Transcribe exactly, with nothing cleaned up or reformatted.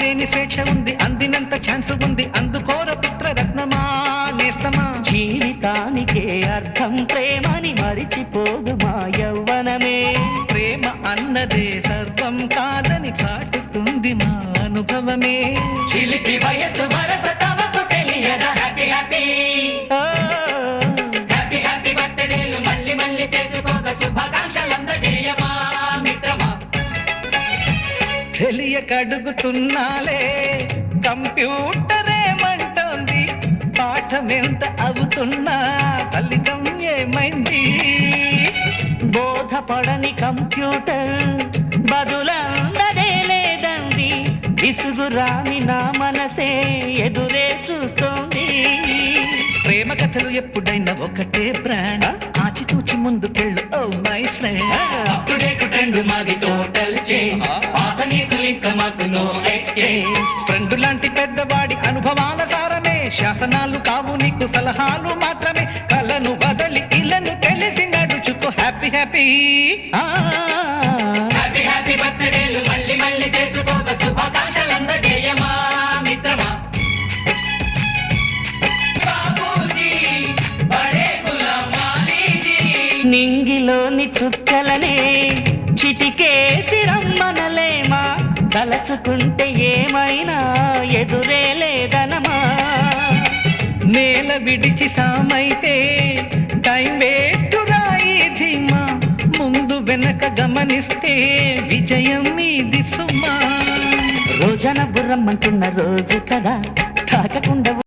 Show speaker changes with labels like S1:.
S1: లేని స్వేచ్ఛ ఉంది, అందినంత ఛాన్స్ ఉంది, అందుకోర పుత్ర రత్నమా నేస్తమా.
S2: జీవితానికే అర్థం ప్రేమని మరిచిపోదు మా యవ్వనమే.
S1: ప్రేమ అన్నదే సర్వం కాదని చాటుతుంది మా అనుభవమే.
S2: చిలిపి వయసు వరస తమకు తెలియదా. హ్యాపీ హ్యాపీ హ్యాపీ హ్యాపీ బర్త్డేలు మళ్ళీ మళ్ళీ చేసుకోక శుభాకాంక్షలందజేయమా మిత్రమా.
S1: తెలియక అడుగుతున్నాలే కంప్యూటరేమంటోంది, పాఠమెంత అవుతున్నా ఫలితం ఏమైంది.
S2: బోధపడని కంప్యూటర్ బదులందదే లేదండి, విసుగురాని నా మనసే ఎదురే చూస్తోంది.
S1: ప్రేమ కథలు ఎప్పుడైనా ఒకటే బ్రాండ్, ఆచితూచి ముందుకెళ్ళు ఓ మై ఫ్రెండ్.
S2: అప్పుడేకు ట్రెండ్ మాది టోటల్ చేంజ్, పాత నీతులు ఇంకా మాకు నో ఎక్స్చేంజ్.
S1: ఫ్రెండ్ లాంటి పెద్దవాడి అనుభవాల సారమే, శాసనాలు కావు నీకు సలహాలు మాత్రమే. కలను బదలి ఇలను తెలిసి నడుచుకో హ్యాపీ హ్యాపీ.
S2: హ్యాపీ హ్యాపీ బర్త్డేలు మళ్ళీ మళ్ళీ చేసుకోక శుభాకాంక్షలందజేయమా మిత్రమా. నింగిలోని చుక్కలనే చిటికేసి రమ్మనలేమా, తలచుకుంటే ఏమైనా ఎదురే లేదనమా.
S1: నేల విడిచి సామైతే టైం వేస్ట్ రాయి ధీమా, ముందు వెనక గమనిస్తే విజయం మీది సుమా.
S2: రోజన బుర్రమ్మంటున్న రోజు కదా తాకకుండా